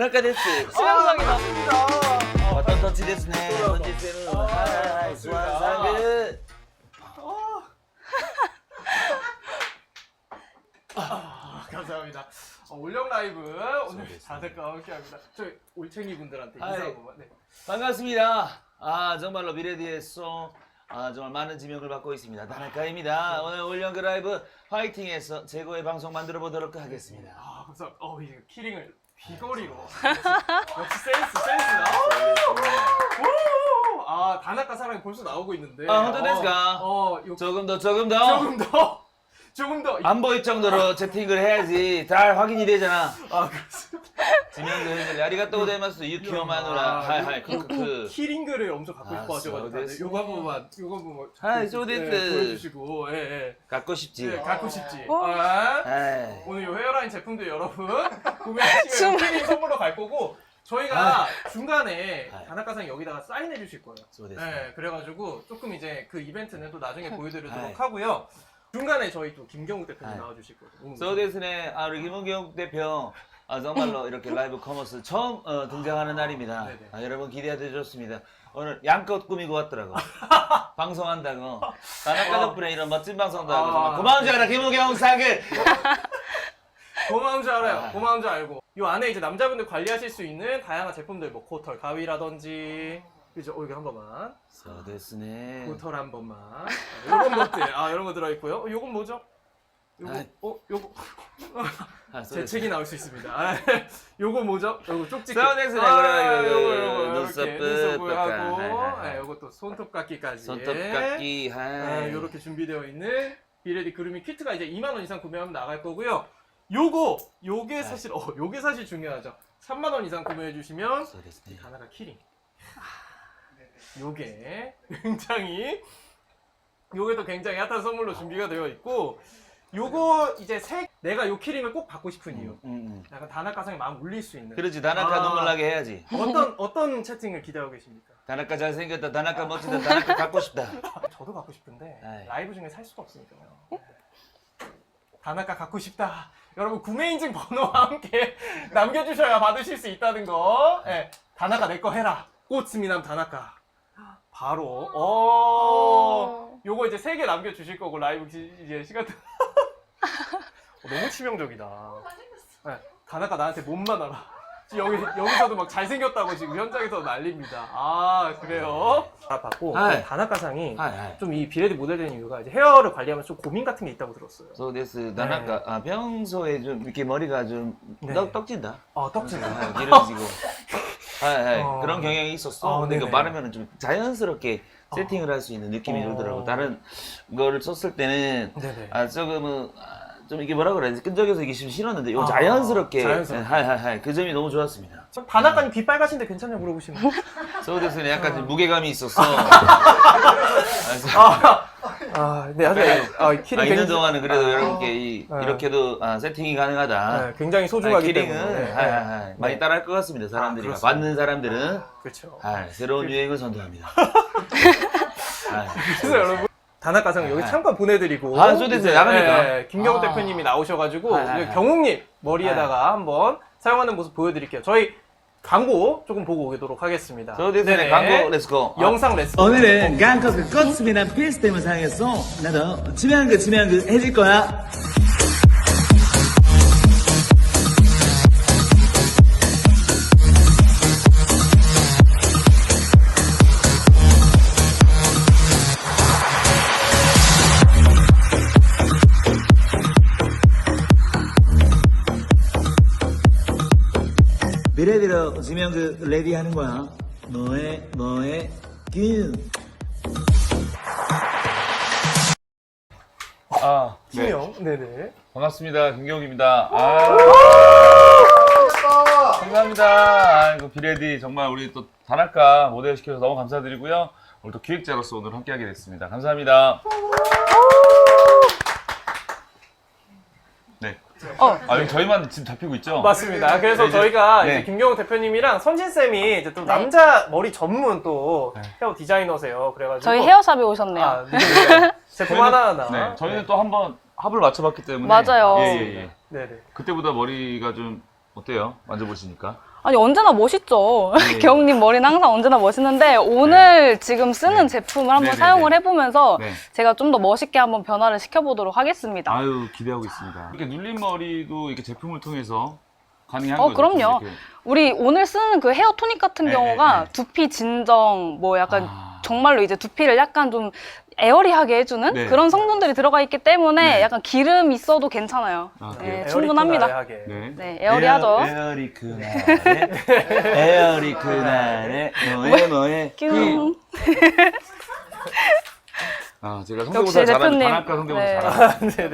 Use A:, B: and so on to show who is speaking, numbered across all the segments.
A: 田中です。
B: 치명적이다.
A: バトンタッチですね。本日のはいスワンサング。
B: 감사합니다. 올영 라이브 오늘 다들과 함께합니다. 저희 올챙이 분들한테 인사 한 번만. 네.
A: 반갑습니다. 정말로 미래디에서 정말 많은 지명을 받고 있습니다. 다나카입니다. 오늘 올영 라이브 화이팅해서 최고의 방송 만들어 보도록 하겠습니다.
B: 감사합니다. 이제 키링을 귀걸이로. 역시 센스다. 다나카 사랑이 벌써 나오고 있는데.
A: 혼자됐을까? 조금 더. 안 보일 정도로 채팅을 해야지 잘 확인이 되잖아.
B: 그렇습니다.
A: 지명도 해줄래. 아리가또 고자이마스 유키오 마누라. 하이 크크크.
B: 키링글을 엄청 갖고 싶어 하셔가지고 다들 요거 한 번만
A: 하이 소데스.
B: 보여주시고
A: 갖고 싶지.
B: 갖고 싶지.
A: 하이.
B: 오늘 요 헤어라인 제품도 여러분 구매하시면 키링 선물로 갈 거고 저희가 중간에 다나카상 여기다가 사인해 주실 거예요. 네, 그래가지고 조금 이제 그 이벤트는 또 나중에 보여드리도록 하고요. 중간에 저희 또 김경욱 대표님 나와주실 거예요.
A: 소데스네. 우리 김경욱 대표 정말로 이렇게 라이브 커머스 처음 등장하는 날입니다. 여러분 기대해 좋습니다. 오늘 양껏 꾸미고 왔더라고. 방송한다고. 다나카 덕분에 이런 멋진 방송도 하고 정말 고마운 줄 알아 김우경 사글.
B: 고마운 줄 알아요. 고마운 줄 알고. 이 안에 이제 남자분들 관리하실 수 있는 다양한 제품들 뭐 코털 가위라든지 그죠? 여기 한 번만.
A: 소데스네.
B: 코털 한 번만. 이런 것들 이런 거 들어 있고요. 요건 뭐죠? 요거 제 책이 나올 수 있습니다. 요거 뭐죠? 요거 쪽지기.
A: 소데스네.
B: 요거
A: 눈썹을
B: 하고 요것도 손톱깎이까지.
A: 손톱깎이.
B: 요렇게 준비되어 있는 비레디 그루미 키트가 이제 2만 원 이상 구매하면 나갈 거고요. 요게 사실 요게 사실 중요하죠. 3만 원 이상 구매해 주시면 다나카 키링. 요게 또 굉장히 핫한 선물로 준비가 되어 있고 요거 이제 내가 요 키링을 꼭 받고 싶은 이유. 약간 다나카상에 마음 울릴 수 있는.
A: 그렇지. 다나카 눈물 나게 해야지.
B: 어떤 채팅을 기대하고 계십니까?
A: 다나카 잘생겼다. 다나카 멋지다. 다나카 갖고 싶다.
B: 저도 갖고 싶은데 라이브 중에 살 수가 없으니까요. 다나카 갖고 싶다. 여러분 구매 인증 번호와 함께 남겨주셔야 받으실 수 있다는 거. 다나카 내 거 해라. 꽃스미남 다나카. 바로 요거 이제 3개 남겨주실 거고 라이브 이제 시간 너무 치명적이다. 다나카 나한테 몸만 알아. 지금 여기서도 막 잘생겼다고 지금 현장에서 난립니다. 그래요? 받고 다나카상이 좀 이 비레디 모델 되는 이유가 이제 헤어를 관리하면 좀 고민 같은 게 있다고 들었어요.
A: 소데스. 다나카 평소에 좀 이렇게 머리가 좀 떡진다.
B: 떡진다.
A: 길어지고. 그런 경향이 있었어. 근데 이거
B: 네네.
A: 바르면 좀 자연스럽게 세팅을 할 수 있는 느낌이 들더라고. 다른 거를 썼을 때는 조금은 좀 이게 뭐라 그래야 되지? 끈적여서 이게 싫었는데 이거 자연스럽게 그 점이 너무 좋았습니다.
B: 다나카님 귀 빨가신데 괜찮냐 물어보시면
A: 소데스는 약간 좀 무게감이 있었어.
B: 네, 키링
A: 있는 동안은 그래도 여러분께 이렇게도 세팅이 가능하다.
B: 굉장히 소중하기
A: 키링은
B: 때문에
A: 많이 따라할 것 같습니다. 사람들이
B: 그렇습니다.
A: 받는 사람들은
B: 그렇죠.
A: 새로운 유행을 선도합니다.
B: 그래서 여러분 다나카상 여기 잠깐 보내드리고
A: 소데스 나갑니까?
B: 김경욱 대표님이 나오셔가지고 경욱님 머리에다가 한번 사용하는 모습 보여드릴게요. 저희 광고 조금 보고 오도록 하겠습니다.
A: 소데스네 광고 렛츠고.
B: 영상 렛츠고.
C: 오늘은 강커그 꽃스미남 필스템을 사용해서 나도 지명한 거 해줄 거야. 비레디로 지명 레디 하는 거야. 너의 균.
B: 김영, 네네.
A: 반갑습니다. 김경욱입니다. 감사합니다. 비레디 정말 우리 또 다나카 모델 시켜서 너무 감사드리고요. 오늘 또 기획자로서 오늘 함께하게 됐습니다. 감사합니다. 네. 여기 저희만 지금 잡히고 있죠?
B: 맞습니다. 그래서
A: 이제,
B: 저희가 이제 김경욱 대표님이랑 선진쌤이 이제 또 남자 머리 전문 또 헤어 디자이너세요. 그래가지고.
D: 저희 헤어샵에 오셨네요.
B: 제품 하나하나.
A: 네, 저희는 또 한번 합을 맞춰봤기 때문에.
D: 맞아요.
A: 예.
B: 네네.
A: 그때보다 머리가 좀 어때요? 만져보시니까?
D: 아니 언제나 멋있죠.
A: 네.
D: 경님 머리는 항상 언제나 멋있는데 오늘 지금 쓰는
A: 네.
D: 제품을 한번
A: 네네네.
D: 사용을 해보면서
A: 네.
D: 제가 좀 더 멋있게 한번 변화를 시켜보도록 하겠습니다.
A: 아유 기대하고 있습니다. 이렇게 눌린 머리도 이렇게 제품을 통해서 가능한 거죠?
D: 그럼요.
A: 이렇게.
D: 우리 오늘 쓰는 그 헤어 토닉 같은
A: 네,
D: 경우가
A: 네, 네.
D: 두피 진정 뭐 약간
A: 아.
D: 정말로 이제 두피를 약간 좀 에어리하게 해주는
A: 네.
D: 그런 성분들이 들어가 있기 때문에
A: 네.
D: 약간 기름 있어도 괜찮아요.
A: 아,
D: 네,
A: 그래요?
D: 충분합니다.
B: 에어리쿠나레하게.
A: 네.
D: 네, 에어리하죠.
A: 에어리 그날에 에어리 그날에 너의
D: 뀨.
A: 아 제가
D: 역시
A: 성대모사 잘하는
D: 대표님.
A: 단학가 성대모사
D: 네.
A: 잘하는
B: 네네.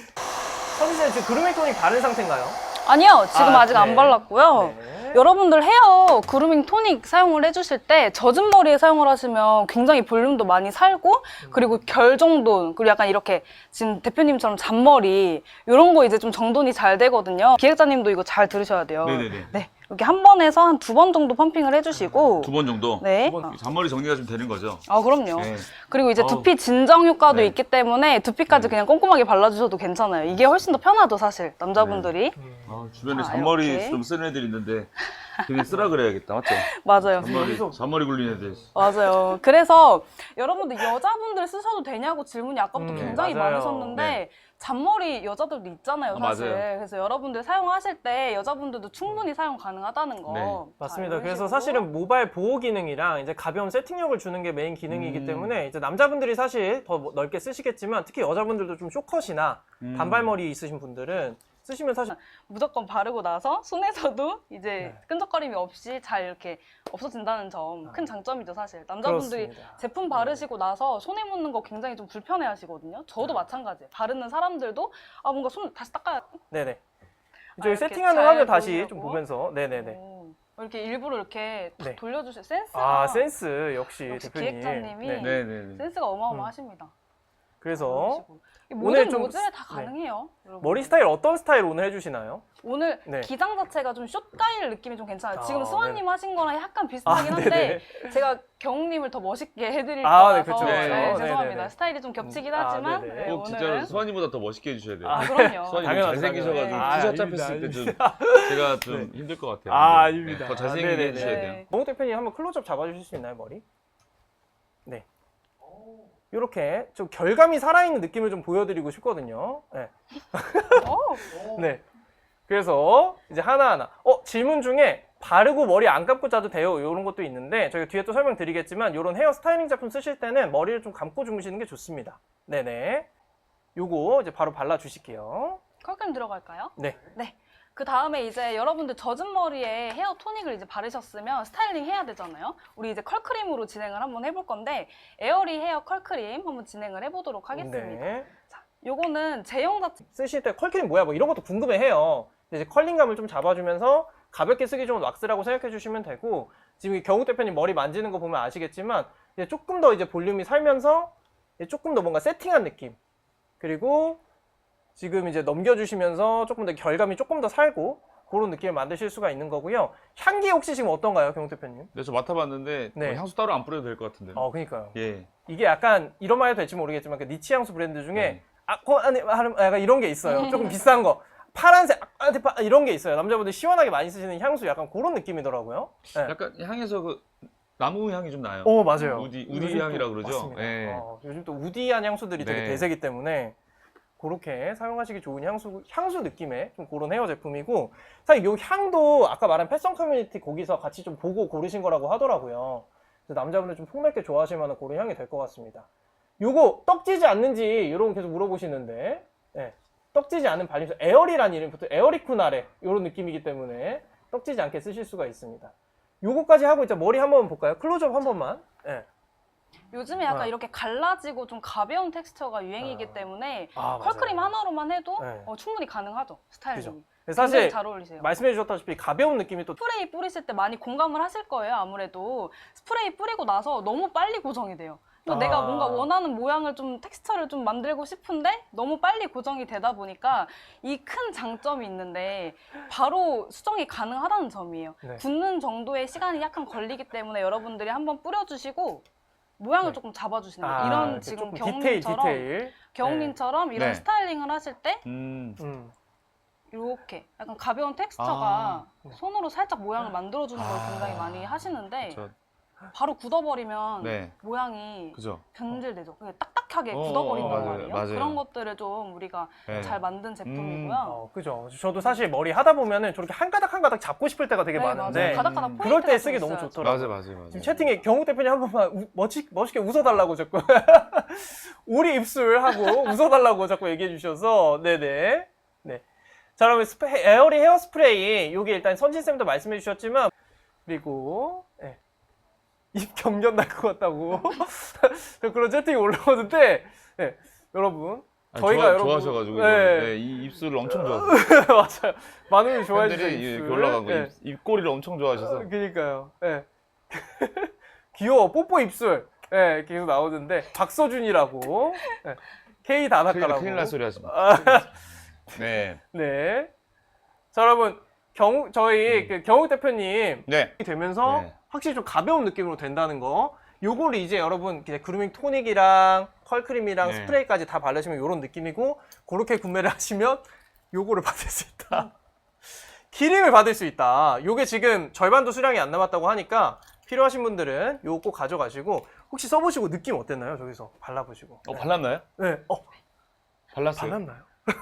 B: 선희 씨 지금 그루밍 토닉 바른 상태인가요?
D: 아니요, 지금 아직
B: 네.
D: 안 발랐고요.
B: 네.
D: 여러분들 헤어 그루밍 토닉 사용을 해주실 때 젖은 머리에 사용을 하시면 굉장히 볼륨도 많이 살고 그리고 결 정돈 그리고 약간 이렇게 지금 대표님처럼 잔머리 이런 거 이제 좀 정돈이 잘 되거든요. 기획자님도 이거 잘 들으셔야 돼요.
A: 네네네.
D: 네, 이렇게 한 번에서 한 2번 정도 펌핑을 해주시고
A: 2번 정도?
D: 네.
A: 잔머리 정리가 좀 되는 거죠?
D: 아 그럼요.
A: 네.
D: 그리고 이제
A: 어우.
D: 두피 진정 효과도
A: 네.
D: 있기 때문에 두피까지
A: 네.
D: 그냥 꼼꼼하게 발라주셔도 괜찮아요. 이게 훨씬 더 편하죠 사실 남자분들이.
A: 주변에
D: 자,
A: 잔머리
D: 이렇게.
A: 좀 쓰는 애들 있는데 그냥 쓰라 그래야겠다 맞죠?
D: 맞아요.
A: 잔머리 굴리는 애들
D: 맞아요. 그래서 여러분들 여자분들 쓰셔도 되냐고 질문이 아까부터 굉장히
B: 맞아요.
D: 많으셨는데
A: 네.
D: 잔머리 여자들도 있잖아요,
A: 아,
D: 사실.
A: 맞아요.
D: 그래서 여러분들 사용하실 때 여자분들도 충분히 사용 가능하다는 거.
A: 네.
D: 자,
B: 맞습니다.
D: 이런
B: 그래서
D: 식으로.
B: 사실은 모발 보호 기능이랑 이제 가벼운 세팅력을 주는 게 메인 기능이기 때문에 이제 남자분들이 사실 더 넓게 쓰시겠지만 특히 여자분들도 좀 쇼컷이나 단발머리 있으신 분들은 쓰시면 사실
D: 무조건 바르고 나서 손에서도 이제
B: 네.
D: 끈적거림이 없이 잘 이렇게 없어진다는 점 큰 장점이죠, 사실. 남자분들이
B: 그렇습니다.
D: 제품 바르시고 나서 손에 묻는 거 굉장히 좀 불편해 하시거든요. 저도 마찬가지예요. 바르는 사람들도 아, 뭔가 손 다시 닦아야
B: 네네. 저희
D: 이렇게
B: 세팅하는
D: 잘
B: 화면 다시
D: 보이려고.
B: 좀 보면서 네네네.
D: 오, 이렇게 일부러 이렇게 탁
B: 네.
D: 돌려주실 센스가
B: 아 센스 역시
D: 역시
B: 대표님.
D: 기획자님이
B: 네.
A: 네네네.
D: 센스가 어마어마하십니다.
B: 그래서
D: 이
B: 오늘
D: 모든
B: 좀
D: 모질에 다
B: 네.
D: 가능해요. 여러분.
B: 머리 스타일 어떤 스타일 오늘 해주시나요?
D: 오늘
B: 네.
D: 기장 자체가 좀 숏가일 느낌이 좀 괜찮아요.
B: 아,
D: 지금 스와님
B: 네네.
D: 하신 거랑 약간 비슷하긴
B: 아,
D: 한데 제가 경우님을 더 멋있게 해드릴
B: 아, 네,
D: 거라서
B: 그쵸,
A: 그쵸.
D: 죄송합니다.
B: 네네네.
D: 스타일이 좀 겹치긴
B: 아,
D: 하지만
B: 네네.
D: 네,
A: 꼭 진짜
D: 오늘은
A: 수환이보다 더 멋있게 해주셔야 돼요.
D: 아 그럼요.
A: 수환이 너무
B: 당연하죠,
A: 잘생기셔가지고
D: 당연하죠.
A: 투샷
B: 아닙니다,
A: 잡혔을 때 좀
B: 아닙니다.
A: 제가 좀 힘들 것 같아요.
B: 아,
A: 근데,
B: 아닙니다.
A: 더 잘생기게
B: 네네네.
A: 해주셔야
D: 네.
A: 돼요.
B: 정우 대표님 한번 클로즈업 잡아주실 수 있나요 머리? 네. 이렇게 좀 결감이 살아있는 느낌을 좀 보여드리고 싶거든요. 네.
D: 오,
B: 네. 그래서 이제 하나하나. 질문 중에 바르고 머리 안 감고 자도 돼요. 이런 것도 있는데 저희가 뒤에 또 설명드리겠지만 이런 헤어 스타일링 제품 쓰실 때는 머리를 좀 감고 주무시는 게 좋습니다. 네네. 요거 이제 바로 발라주실게요.
D: 컬크림 들어갈까요?
B: 네.
D: 네. 그 다음에 이제 여러분들 젖은 머리에 헤어 토닉을 이제 바르셨으면 스타일링 해야 되잖아요. 우리 이제 컬크림으로 진행을 한번 해볼 건데 에어리 헤어 컬크림 한번 진행을 해보도록 하겠습니다.
B: 네.
D: 자, 요거는 제형 자체
B: 쓰실 때 컬크림 뭐야? 뭐 이런 것도 궁금해해요. 근데 이제 컬링감을 좀 잡아주면서 가볍게 쓰기 좋은 왁스라고 생각해 주시면 되고 지금 경욱 대표님 머리 만지는 거 보면 아시겠지만 이제 조금 더 이제 볼륨이 살면서 이제 조금 더 뭔가 세팅한 느낌 그리고 지금 이제 넘겨주시면서 조금 더 결감이 조금 더 살고 그런 느낌을 만드실 수가 있는 거고요. 향기 혹시 지금 어떤가요, 경욱 대표님?
A: 네, 저 맡아봤는데
B: 네.
A: 뭐 향수 따로 안 뿌려도 될 것 같은데.
B: 그니까요.
A: 예.
B: 이게 약간 이런 말 해도 될지 모르겠지만 그 니치 향수 브랜드 중에
A: 네.
B: 약간 이런 게 있어요. 조금 비싼 거. 파란색 이런 게 있어요. 남자분들 시원하게 많이 쓰시는 향수 약간 그런 느낌이더라고요. 네.
A: 약간 향에서 그 나무 향이 좀 나요.
B: 오 맞아요.
A: 우디
B: 요즘 또-
A: 향이라 그러죠.
B: 맞습니다.
A: 예.
B: 요즘 또 우디한 향수들이 되게
A: 네.
B: 대세기 때문에 그렇게 사용하시기 좋은 향수 느낌의 좀 그런 헤어 제품이고 사실 이 향도 아까 말한 패션 커뮤니티 거기서 같이 좀 보고 고르신 거라고 하더라고요. 그래서 남자분들 좀 폭넓게 좋아하실 만한 그런 향이 될 것 같습니다. 요거 떡지지 않는지 이런 거 계속 물어보시는데 네. 떡지지 않은 발림수 에어리라는 이름부터 에어리쿠나레 이런 느낌이기 때문에 떡지지 않게 쓰실 수가 있습니다. 요거까지 하고 이제 머리 한번 볼까요? 클로즈업 한 번만. 네.
D: 요즘에 약간
B: 아.
D: 이렇게 갈라지고 좀 가벼운 텍스처가 유행이기 때문에
B: 아,
D: 컬크림
B: 맞아요.
D: 하나로만 해도
B: 네.
D: 충분히 가능하죠. 스타일링이.
B: 그래서
D: 굉장히
B: 사실
D: 잘 어울리세요.
B: 말씀해 주셨다시피 가벼운 느낌이 또
D: 스프레이 뿌리실 때 많이 공감을 하실 거예요. 아무래도 스프레이 뿌리고 나서 너무 빨리 고정이 돼요. 또
B: 아.
D: 내가 뭔가 원하는 모양을 좀 텍스처를 좀 만들고 싶은데 너무 빨리 고정이 되다 보니까 이 큰 장점이 있는데 바로 수정이 가능하다는 점이에요.
B: 네.
D: 굳는 정도의 시간이 약간 걸리기 때문에 여러분들이 한번 뿌려주시고 모양을
B: 네.
D: 조금 잡아주시는 거예요. 이런
B: 이렇게
D: 지금
B: 조금
D: 경훈님처럼
B: 디테일.
D: 경훈님처럼 이런
A: 네.
D: 스타일링을 하실 때
B: 음.
D: 이렇게 약간 가벼운 텍스처가 손으로 살짝 모양을 만들어주는 걸 굉장히 많이 하시는데
A: 그쵸.
D: 바로 굳어버리면
A: 네.
D: 모양이
A: 그죠.
D: 변질되죠. 그냥 딱딱하게 굳어버린단
A: 맞아요,
D: 말이에요.
A: 맞아요.
D: 그런 것들을 좀 우리가
A: 네.
D: 잘 만든 제품이고요.
B: 그죠. 저도 사실 머리 하다 보면은 저렇게 한 가닥 잡고 싶을 때가 되게
D: 네,
B: 많은데
D: 맞아요. 가닥가닥 포인트가
B: 그럴 때
D: 좀
B: 쓰기 너무
D: 있어요.
B: 좋더라고요.
A: 맞아요.
B: 지금 채팅에 경욱 대표님 한 번만 멋있게 웃어달라고 자꾸 우리 입술하고 웃어달라고 자꾸 얘기해 주셔서 네네. 네. 자, 그러면 에어리 헤어 스프레이 요게 일단 선진쌤도 말씀해 주셨지만 그리고 네. 입 경련 날 것 같다고 그런 채팅이 올라오는데 네. 여러분 저희가 여러분
A: 좋아하셔가지고
B: 네.
A: 네, 이 입술을 엄청 좋아하세요.
B: 맞아요. 많은 분이 좋아해 주세요.
A: 팬들이
B: 입술.
A: 이렇게 올라간 거
B: 네.
A: 입꼬리를 엄청 좋아하셔서.
B: 그러니까요. 네. 귀여워. 뽀뽀 입술. 네, 계속 나오는데 박서준이라고. 네. K 다나카라고.
A: 큰일 날 소리 하지 마. 네.
B: 네. 자, 여러분 저희 그 경욱 대표님
A: 네.
B: 되면서
A: 네.
B: 확실히 좀 가벼운 느낌으로 된다는 거. 요거를 이제 여러분 그냥 그루밍 토닉이랑 컬크림이랑
A: 네.
B: 스프레이까지 다 바르시면 요런 느낌이고 그렇게 구매를 하시면 요거를 받을 수 있다. 기름을 받을 수 있다. 요게 지금 절반도 수량이 안 남았다고 하니까 필요하신 분들은 요거 꼭 가져가시고 혹시 써보시고 느낌 어땠나요? 저기서 발라보시고. 네.
A: 발랐나요?
B: 네.
A: 발랐어요?
B: 발랐나요?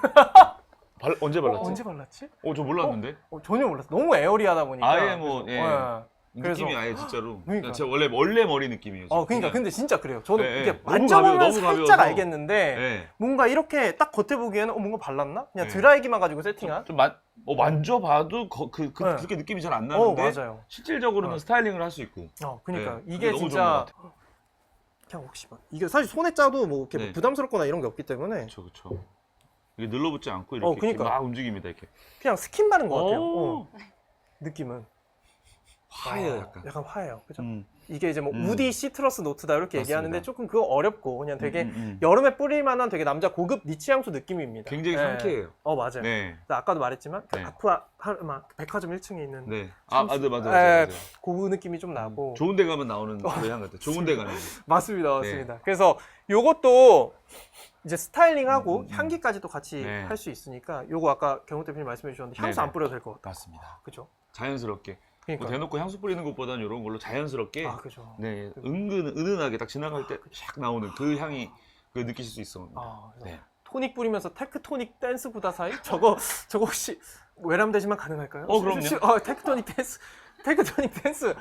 A: 언제 발랐지?
B: 언제 발랐지?
A: 저 몰랐는데.
B: 전혀 몰랐어. 너무 에어리하다 보니까.
A: 아예 뭐, 예.
B: 그래서-
A: 느낌이 아예 진짜로.
B: 그러니까.
A: 제가 원래 머리 느낌이에요.
B: 그러니까
A: 그냥.
B: 근데 진짜 그래요. 저는
A: 네,
B: 이게
A: 네.
B: 만져보면
A: 너무
B: 살짝
A: 가벼워서.
B: 알겠는데
A: 네.
B: 뭔가 이렇게 딱 겉에 보기에는 뭔가 발랐나? 그냥
A: 네.
B: 드라이기만 가지고 세팅한.
A: 좀 만져봐도 그렇게 느낌이 잘 안 나는데
B: 맞아요.
A: 실질적으로는 스타일링을 할 수 있고.
B: 그러니까
A: 네,
B: 이게
A: 그게 너무
B: 진짜
A: 좋은 것
B: 그냥 혹시 막 이게 사실 손에 짜도 뭐 이렇게
A: 네.
B: 부담스럽거나 이런 게 없기 때문에
A: 그렇죠. 이게 늘러붙지 않고 이렇게,
B: 그러니까.
A: 막 움직입니다 이렇게.
B: 그냥 스킨 바른 것 같아요.
A: 오.
B: 느낌은
A: 화해요 약간.
B: 약간 화해요. 그죠?
A: 음.
B: 이게 이제 뭐 우디 시트러스 노트다 이렇게
A: 맞습니다.
B: 얘기하는데 조금 그거 어렵고 그냥 되게
A: 음.
B: 여름에 뿌릴 만한 되게 남자 고급 니치 향수 느낌입니다.
A: 굉장히
B: 네.
A: 상쾌해요.
B: 맞아요.
A: 네.
B: 아까도 말했지만 그
A: 네.
B: 백화점 1층에 있는
A: 네.
B: 네,
A: 맞아요.
B: 그 느낌이 좀 나고
A: 좋은 데 가면 나오는 그 향 같아요. 좋은 데 가는.
B: 맞습니다. 그래서 요것도 이제 스타일링하고 향기까지도 같이
A: 네.
B: 할 수 있으니까 요거 아까 경호 대표님 말씀해 주셨는데 향수
A: 네네.
B: 안 뿌려도 될 것 같다.
A: 맞습니다.
B: 그죠?
A: 자연스럽게.
B: 그러니까.
A: 뭐 대놓고 향수 뿌리는 것보다는 이런 걸로 자연스럽게.
B: 그죠.
A: 네. 은은하게 딱 지나갈 때 샥 나오는 그 향이 느끼실 수 있어.
B: 그래서
A: 네.
B: 토닉 뿌리면서 테크토닉 댄스 구다 사이? 저거 혹시 외람되지만 가능할까요?
A: 그럼요.
B: 테크토닉 댄스. 테크토닉 댄스.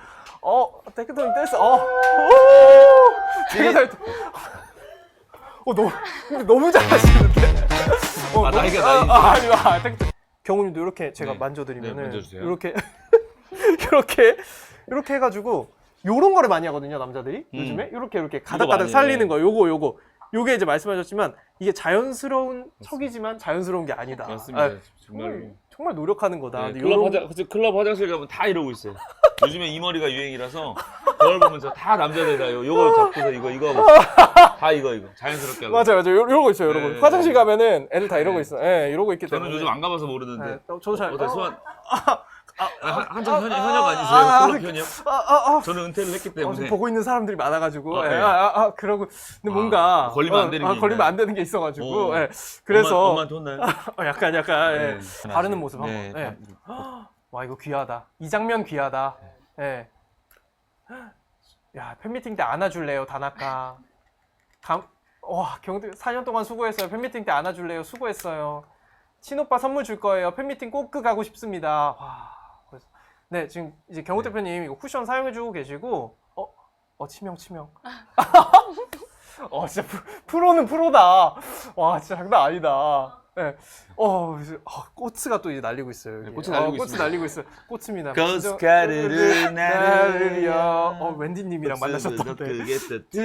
B: 제가 잘 너무 잘하시는데.
A: 나이가 나이.
B: 경훈님도 이렇게 제가
A: 네.
B: 만져드리면은
A: 네, 만져주세요.
B: 이렇게 이렇게 해가지고 요런 거를 많이 하거든요 남자들이 요즘에 이렇게 가닥가닥
A: 많이
B: 살리는
A: 해.
B: 거 요게 이제 말씀하셨지만 이게 자연스러운 척이지만 자연스러운 게 아니다.
A: 맞습니다.
B: 정말
A: 정말.
B: 노력하는 거다.
A: 네,
B: 근데
A: 클럽 화장실 가면 다 이러고 있어요. 요즘에 이 머리가 유행이라서 그걸 보면서 다 남자들 다 요거 잡고서 이거 하고 다 이거 자연스럽게 하고.
B: 맞아요. 이러고 있어요, 여러분.
A: 네.
B: 화장실 가면은 애들 다 이러고 있어요. 예, 이러고 있기 때문에.
A: 저는 요즘 안 가봐서 모르는데.
B: 저도 잘.
A: 소환. 한참 현역 아니세요? 클럽 현역? 저는 은퇴를 했기
B: 지금
A: 때문에.
B: 보고 있는 사람들이 많아가지고.
A: 네.
B: 그러고. 근데 뭔가.
A: 걸리면 안 되는 게
B: 걸리면
A: 있나요?
B: 안 되는 게 있어가지고. 예. 그래서.
A: 엄마한테 혼나요?
B: 약간, 예.
A: 네.
B: 바르는 모습 한번.
A: 네.
B: 예. 와, 이거 귀하다. 이 장면 귀하다. 예. 야, 팬미팅 때 안아줄래요, 다나카. 와, 경들 4년 동안 수고했어요. 팬미팅 때 안아줄래요. 수고했어요. 친오빠 선물 줄 거예요. 팬미팅 꼭 가고 싶습니다. 와. 그래서 네, 지금 이제 경호 대표님 이거 쿠션 사용해주고 계시고, 치명. 진짜 프로는 프로다. 와, 진짜 장난 아니다. 네. 꽃가 또 이제 날리고 있어요. 여기.
A: 네, 꽃이 날리고
B: 꽃이
A: 있습니다.
B: 날리고 있어요. 꽃입니다.
A: 고스카르르 나르려.
B: 웬디님이랑 만나셨던데.
A: 그게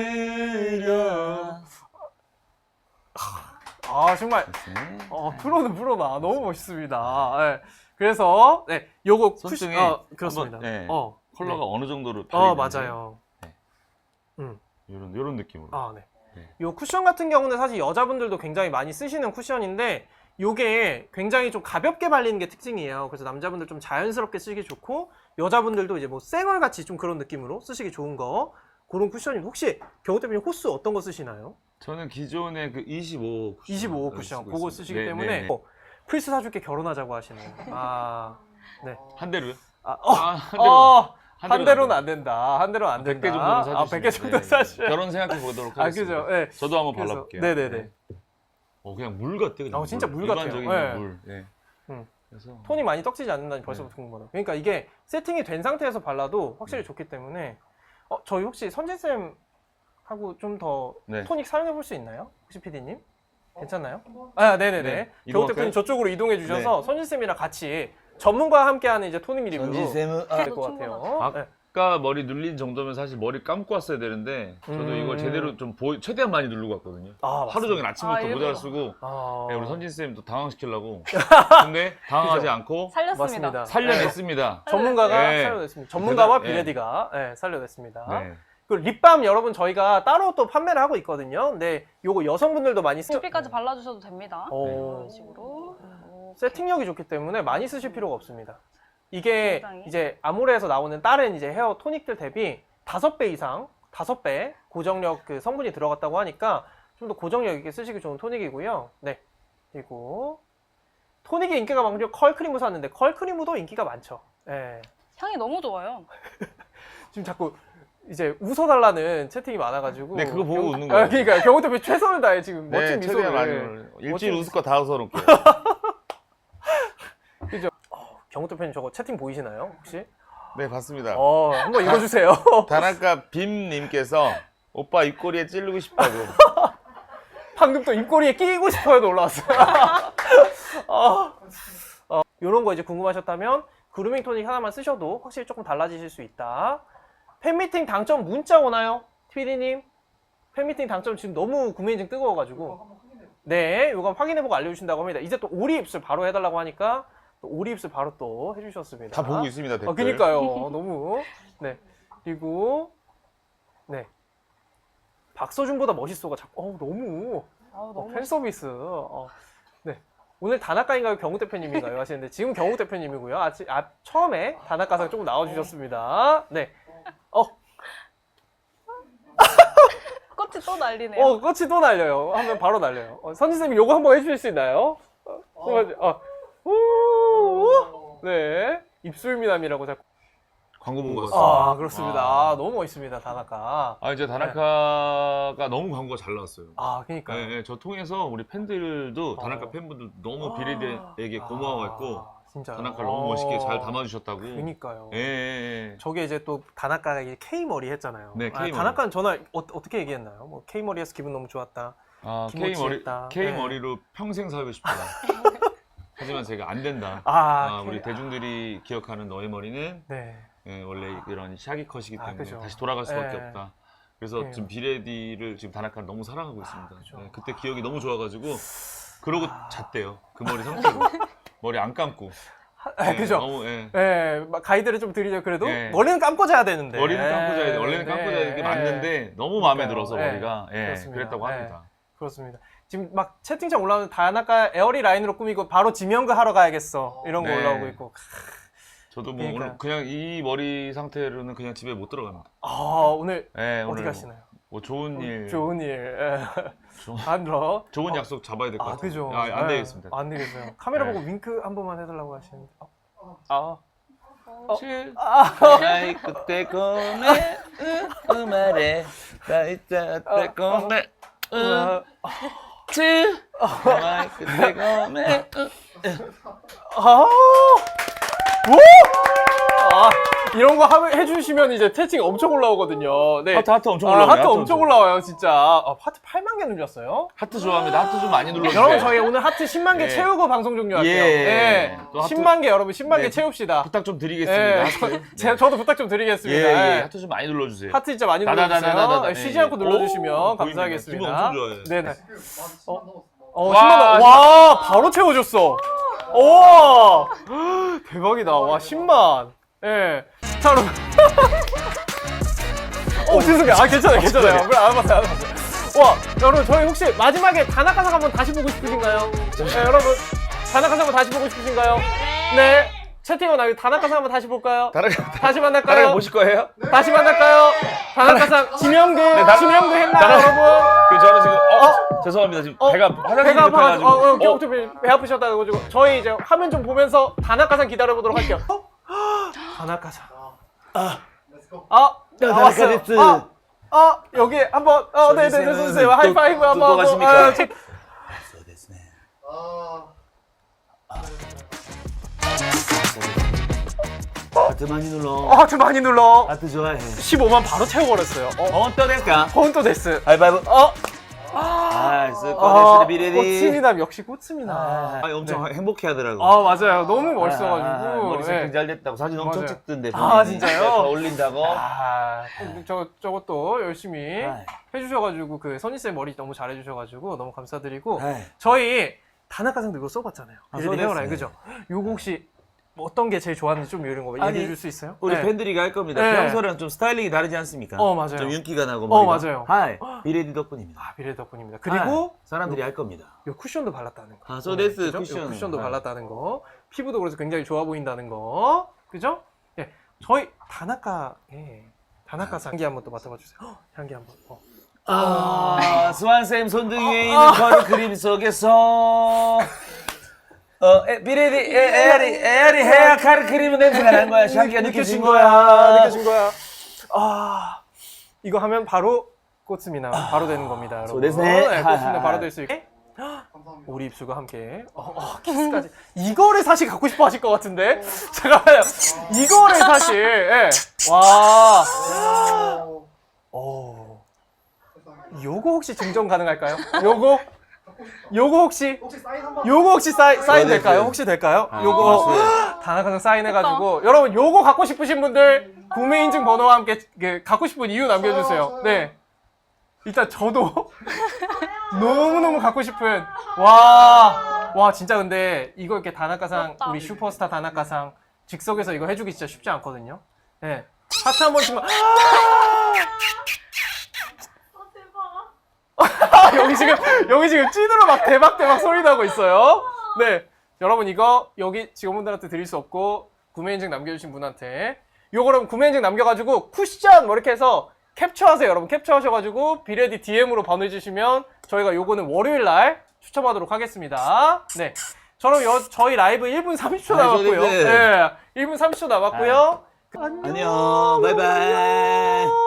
A: 뜨려.
B: 정말. 프로는 프로다. 너무 멋있습니다. 네. 그래서 네, 요거
A: 손등에
B: 그렇습니다.
A: 한번, 네.
B: 네.
A: 컬러가 어느 정도로
B: 맞아요.
A: 이런 느낌으로.
B: 네.
A: 네.
B: 요 쿠션 같은 경우는 사실 여자분들도 굉장히 많이 쓰시는 쿠션인데 요게 굉장히 좀 가볍게 발리는 게 특징이에요. 그래서 남자분들 좀 자연스럽게 쓰기 좋고 여자분들도 이제 뭐 쌩얼 같이 좀 그런 느낌으로 쓰시기 좋은 거 그런 쿠션입니다. 혹시 경호 대표님 호스 어떤 거 쓰시나요?
A: 저는 기존에 그 25 쿠션.
B: 25호 쿠션 그거 쓰시기 때문에 플스 사줄게 결혼하자고 하시네요. 아, 네.
A: 한 대로요?
B: 한 대로는 안 된다. 한 대로는 안 된다.
A: 100개 정도는 사주시면
B: 100개 정도 사주셔야
A: 결혼 생각해 보도록 하겠습니다.
B: 그죠. 네.
A: 저도 한번
B: 그래서,
A: 발라볼게요.
B: 네네네.
A: 그냥 물 같아. 그냥
B: 진짜 물 같아요.
A: 일반적인
B: 네.
A: 물. 네.
B: 음.
A: 그래서
B: 톤이 많이 떡지지 않는다니 벌써부터 궁금하다. 그러니까 이게 세팅이 된 상태에서 발라도 확실히 좋기 때문에 저희 혹시 선진쌤 하고 좀 더
A: 네.
B: 토닉 사용해 볼 수 있나요? 혹시 PD님? 괜찮나요? 아, 네네네.
A: 네.
B: 겨우
A: 이동할까요?
B: 대표님 저쪽으로 이동해 주셔서 선진쌤이랑 같이 전문가와 함께하는 이제 토닉 리뷰
A: 전지쌤은
B: 될 것 같아요. 네.
A: 아까 머리 눌린 정도면 사실 머리 감고 왔어야 되는데 저도 이걸 제대로 좀 최대한 많이 누르고 왔거든요. 하루 종일 아침부터
D: 일부러.
A: 모자를 쓰고
B: 아,
A: 네, 우리 선진쌤도 당황시키려고 근데 당황하지
B: 그죠.
A: 않고
D: 살렸습니다.
B: 맞습니다.
A: 살려냈습니다.
B: 전문가가
A: 네.
B: 살려냈습니다. 전문가와
A: 네.
B: 비레디가 살려냈습니다.
A: 네.
B: 그 립밤 여러분 저희가 따로 또 판매를 하고 있거든요. 근데 요거 여성분들도 많이 쓰죠.
D: 두피까지 발라주셔도 됩니다.
B: 오.
D: 이런 식으로.
B: 세팅력이 좋기 때문에 많이 쓰실 필요가 없습니다. 이게
D: 굉장히.
B: 이제 아모레에서 나오는 다른 이제 헤어 토닉들 대비 5배 이상, 5배 고정력 그 성분이 들어갔다고 하니까 좀 더 고정력 있게 쓰시기 좋은 토닉이고요. 네. 그리고 토닉이 인기가 많죠. 컬크리무 샀는데 컬크리무도 인기가 많죠. 예.
D: 향이 너무 좋아요.
B: 지금 자꾸 이제 웃어달라는 채팅이 많아가지고.
A: 네, 그거 보고 웃는 거예요.
B: 그러니까 경호 대표 최선을 다해 지금
A: 네,
B: 멋진
A: 최대한 많이
B: 미소를.
A: 올려요. 일주일 웃을 거 다 웃어놓을게요.
B: 그죠? 경호 대표님 저거 채팅 보이시나요 혹시?
A: 네, 봤습니다.
B: 한번 읽어주세요.
A: 다나카 빔님께서 오빠 입꼬리에 찌르고 싶다고.
B: 방금 또 입꼬리에 끼고 싶어요도 올라왔어요. 이런 거 이제 궁금하셨다면 그루밍 토닉 하나만 쓰셔도 확실히 조금 달라지실 수 있다. 팬미팅 당첨 문자 오나요? PD님? 팬미팅 당첨 지금 너무 구매 인증 뜨거워가지고. 네, 이거 확인해보고 알려주신다고 합니다. 이제 또 오리 입술 바로 해달라고 하니까 또 오리 입술 바로 또 해주셨습니다.
A: 다 보고 있습니다, 댓글.
B: 그니까요. 너무. 네. 그리고 네. 박서준보다 멋있어가 자꾸 너무
D: 너무
B: 팬 서비스. 네. 오늘 다나카인가요? 경우 대표님인가요? 하시는데 지금 경우 대표님이고요. 처음에 다나카상 조금 나와주셨습니다. 네.
D: 꽃이 또 날리네요.
B: 꽃이 또 날려요. 하면 바로 날려요. 선지쌤이 요거 한번 해주실 수 있나요? 네. 입술 미남이라고 자꾸.
A: 광고 본 거였어요.
B: 그렇습니다. 너무 멋있습니다, 다나카.
A: 이제 다나카가 너무 광고가 잘 나왔어요.
B: 그니까요.
A: 네, 저 통해서 우리 팬들도 다나카 팬분들 너무 비레디에게 고마워했고
B: 진짜요?
A: 다나카를 너무 멋있게 잘 담아주셨다고.
B: 그니까요.
A: 예.
B: 저게 이제 또 다나카가 이제 K머리 했잖아요.
A: 네, K머리.
B: 다나카는 전화 어떻게 얘기했나요? 뭐 K머리 해서 기분 너무 좋았다. 김모치했다.
A: K 머리로 평생 살고 싶다. 하지만 제가 안 된다. 우리 대중들이 기억하는 너의 머리는
B: 네.
A: 원래 이런 샤기 컷이기 때문에
B: 그죠.
A: 다시 돌아갈 수밖에
B: 네.
A: 없다. 그래서
B: 네.
A: 지금 비레디를 지금 다나카를 너무 사랑하고 있습니다.
B: 그죠.
A: 네, 그때 기억이 너무 좋아가지고 그러고 잤대요. 그 머리 상태로 머리 안 감고.
B: 그죠.
A: 너무
B: 막 가이드를 좀 드리죠. 그래도
A: 네.
B: 머리는 감고 자야 되는데.
A: 머리는 감고 자야 돼. 원래는 감고 자야 되는 게 맞는데 너무 마음에 들어서 머리가
B: 그렇습니다.
A: 그랬다고 합니다.
B: 그렇습니다. 지금 막 채팅창 올라오는 다나카 에어리 라인으로 꾸미고 바로 지명그 하러 가야겠어. 이런 거
A: 네.
B: 올라오고 있고.
A: 저도 뭐
B: 그러니까요.
A: 오늘 그냥 이 머리 상태로는 그냥 집에 못 들어갑니다.
B: 오늘
A: 네,
B: 어디
A: 오늘
B: 가시나요?
A: 뭐 좋은 일,
B: 좋은 일.
A: 좋은-
B: 안으로.
A: 좋은 약속 잡아야 될 것 같아요.
B: 그죠.
A: 안 되겠습니다.
B: 안 되겠어요. 카메라
A: 네.
B: 보고 윙크 한 번만 해달라고 하시는데.
A: 나이 그때 고메 말에 나이 때 고메 나이 그때 고메
B: 이런 거 해주시면 이제 채팅 엄청 올라오거든요. 네.
A: 하트 엄청 올라와요.
B: 하트 엄청 올라와요, 진짜. 하트 8만 개 눌렸어요.
A: 하트 좋아합니다. 하트 좀 많이 눌러주세요.
B: 여러분, 저희 오늘 하트 10만 개
A: 네.
B: 채우고 방송 종료할게요.
A: 예.
B: 네.
A: 또 하트-
B: 10만 개, 여러분, 10만 개
A: 네.
B: 채웁시다.
A: 부탁 좀 드리겠습니다.
B: 네.
A: 하트.
B: 저도 부탁 좀 드리겠습니다.
A: 예,
B: 네.
A: 하트 좀 많이 눌러주세요.
B: 하트 진짜 많이
A: 다다다다다다.
B: 눌러주세요. 네,
A: 네,
B: 쉬지
A: 예.
B: 않고 눌러주시면
A: 오,
B: 감사하겠습니다.
A: 기분 엄청 좋아요.
B: 네네. 10만
A: 와,
B: 원. 와, 바로 채워줬어. 우와. 대박이다. 와, 10만. 예. 자, 여러분. 죄송해요. 괜찮아요. 괜찮아요. 그래, 알았어요. 와, 여러분, 저희 혹시 마지막에 다나카상 한번 다시 보고 싶으신가요? 네, 여러분. 다나카상 한번 다시 보고 싶으신가요? 네. 채팅은 다나카상 한번 다시 볼까요? 다시 만날까요?
A: 보실 거예요?
B: 다시 만날까요? 다나카상 지명도 지명도 했나요,
A: 나가-
B: 여러분?
A: 그 저는 지금 죄송합니다. 지금 배가 화장실이
B: 배가
A: 급해가지고.
B: 배 아프셨다고 가지고 저희 이제 화면 좀 보면서 다나카상 기다려보도록 할게요. 다나카상.
A: 다나카 데스.
B: 여기 한번 네네 선생님
A: 또-
B: 하이파이브
A: 또
B: 한번 하고.
A: 가십니까? 하트 많이 눌러.
B: 하트 많이 눌러.
A: 하트 좋아해.
B: 15만 바로 채워버렸어요.
A: 또 될까?
B: 폰또 데스.
A: 하이파이브. 스코데스 비레디.
B: 꽃미남 역시 꽃미남.
A: 엄청 행복해 하더라고.
B: 맞아요. 너무 멋있어가지고.
A: 머리
B: 네.
A: 세팅 잘 됐다고 사진 엄청
B: 맞아요.
A: 찍던데.
B: 아, 진짜요?
A: 더 올린다고.
B: 저것도 열심히
A: 아이.
B: 해주셔가지고 그 선희쌤 머리 너무 잘해주셔가지고 너무 감사드리고
A: 아이.
B: 저희 다나카상도 이거 써봤잖아요. 비레디
A: 써봤어요.
B: 헤어라인 그죠? 요거 혹시 어떤 게 제일 좋았는지 좀 이런 거
A: 아니,
B: 얘기해 줄 수 있어요?
A: 우리
B: 네.
A: 팬들이 할 겁니다.
B: 네.
A: 평소랑 좀 스타일링이 다르지 않습니까?
B: 맞아요.
A: 좀 윤기가 나고 머리가.
B: 맞아요.
A: 하이, 비레디 덕분입니다.
B: 비레디 덕분입니다. 그리고
A: 사람들이 할 겁니다.
B: 요 쿠션도 발랐다는 거.
A: 소데스
B: 그죠?
A: 쿠션.
B: 요 쿠션도
A: 네.
B: 발랐다는 거. 피부도 그래서 굉장히 좋아 보인다는 거. 그죠? 예. 저희 다나카상 향기 한번 또 맡아봐 주세요. 향기 한번.
A: 스완쌤 손등 위에 있는 거리 그림 속에서 비레디 에어리 헤어 카르 크림 냄새가 난 거야. 샤기가 느껴진 거야.
B: 느껴진 거야. 이거 하면 바로 꽃미남 바로 되는 겁니다, 여러분.
A: 소데스네.
B: 꽃미남 바로 될 수 있게. 우리 입술과 함께 키스까지. 이거를 사실 갖고 싶어 하실 것 같은데. 잠깐만요. 이거를 사실. 예. 와. 요거 혹시 증정 가능할까요? 요거 혹시 사인 될까요? 혹시 될까요? 요거 다나카상 사인해가지고 여러분 요거 갖고 싶으신 분들 구매 인증 번호와 함께 갖고 싶은 이유 남겨주세요. 네. 일단 저도 너무너무 갖고 싶은 와 진짜 근데 이거 이렇게 다나카상 우리 슈퍼스타 다나카상 즉석에서 이거 해주기 진짜 쉽지 않거든요. 네. 하트 한 번씩만. 여기 지금 찐으로 막 대박 소리 나고 있어요. 네. 여러분 이거 여기 직원분들한테 드릴 수 없고 구매 인증 남겨주신 분한테 요거 그럼 구매 인증 남겨가지고 쿠션 뭐 이렇게 해서 캡처하세요. 여러분 capture하셔가지고 비레디 DM으로 보내주시면 저희가 요거는 월요일날 추첨하도록 하겠습니다. 네. 저희 라이브 1분 30초 남았고요. 네. 1분 30초 남았고요.
A: 안녕. 바이바이.